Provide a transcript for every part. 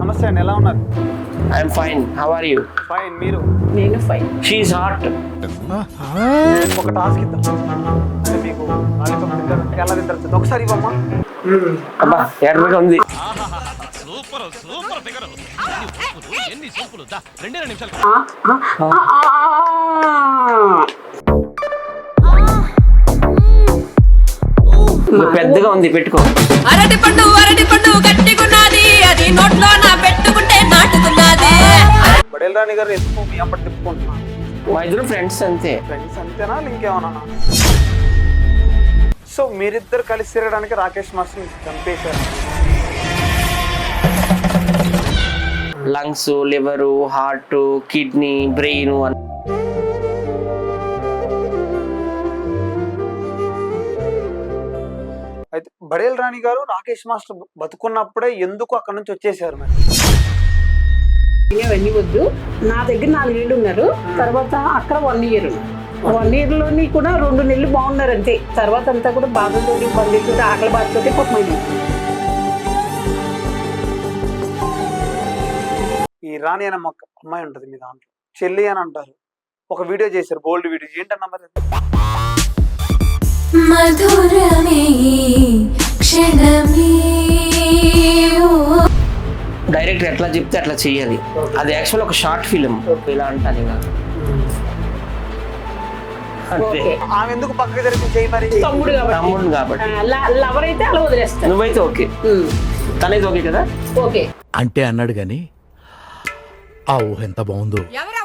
నమస్తే అండి, ఎలా ఉన్నారు? I'm fine. How are you? Fine. మీరు? నేను ఫైన్. షీఈ్ హాట్. ఒక టాస్క్ ఇద్దాం. అంటే మీకు లాలీపాప్ తింటారంటే ఎలా తింటారు ఒకసారి ఇవ్వమ్మా. అబ్బా ఎర్రగా ఉంది. పెద్దగా ఉంది, పెట్టుకో. అరటి పండు గట్టిగున్నది, అది నోట్లో నా పెట్టుకుంటే నాటుకున్నది. బడేల్ రాణి గారు ఎందుకు మీ అప్పటి తిప్పుకుంటున్నాను? మా ఇద్దరు ఫ్రెండ్స్ అంతే. ఫ్రెండ్స్ అంతేనా ఇంకేమన్నా? సో మీరిద్దరు కలిసి తిరగడానికి రాకేష్ మాస్టర్ చంపేశారు. Lungs, liver, heart, kidney, brain అయితే బడేల్ రాణి గారు రాకేష్ మాస్టర్ బతుకున్నప్పుడే ఎందుకు అక్కడ నుంచి వచ్చేసారు మరి? ఇవన్నీ వద్దు, నా దగ్గర 4 ఏళ్ళు ఉన్నారు. తర్వాత అక్కడ 1 ఇయర్. 1 ఇయర్లోని కూడా 2 నెలలు బాగున్నారు అంతే. తర్వాత అంతా కూడా బాధతోటి, బంధువులతో, ఆకలి బాధతోటి పోతుంది. ఈ రాణి అనే అమ్మాయి ఉంటుంది మీ దాంట్లో, చెల్లి అని అంటారు. ఒక వీడియో చేశారు, బోల్డ్ వీడియో. ఏంటన్నా మరి? మధురమే క్షణమే. డైరెక్టర్ ఎట్లా చెప్తే అట్లా చెయ్యాలి. అది యాక్చువల్ ఒక షార్ట్ ఫిలిం. ఇలా అంటాను ఇంకా అంతే. ఆమె ఎందుకు పక్కకి జరిపి చేయి మరి? తమ్ముడు కాబట్టి. లవర్ అయితే అలా వదిలేస్తాను. నువ్వైతే ఓకే, తనైతే ఓకే కదా? ఓకే అంటే అన్నాడు గాని ఆ ఊహ ఎంత బాగుందో.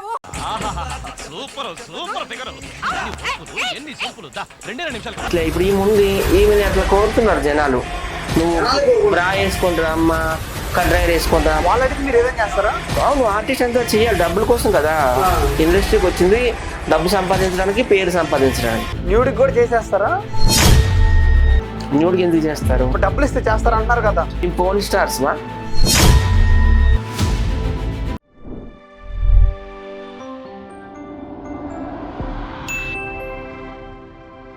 ఇప్పుడు ఈ ముందు ఈమె అట్లా కోరుతున్నారు జనాలు. నువ్వు బ్రా వేసుకుంటారా అమ్మ, కడ్రైర్ వేసుకుంటా. వాళ్ళకి మీరు ఏదైనా చేస్తారా? అవును, ఆర్టిస్ట్ అంతా చేయాలి, డబ్బుల కోసం కదా. ఇండస్ట్రీకి వచ్చింది డబ్బు సంపాదించడానికి, పేరు సంపాదించడానికి. న్యూడికి కూడా చేసేస్తారా? న్యూడ్కి ఎందుకు చేస్తారు? డబ్బులు ఇస్తే చేస్తారా అంటారు కదా. పోన్ స్టార్స్ మా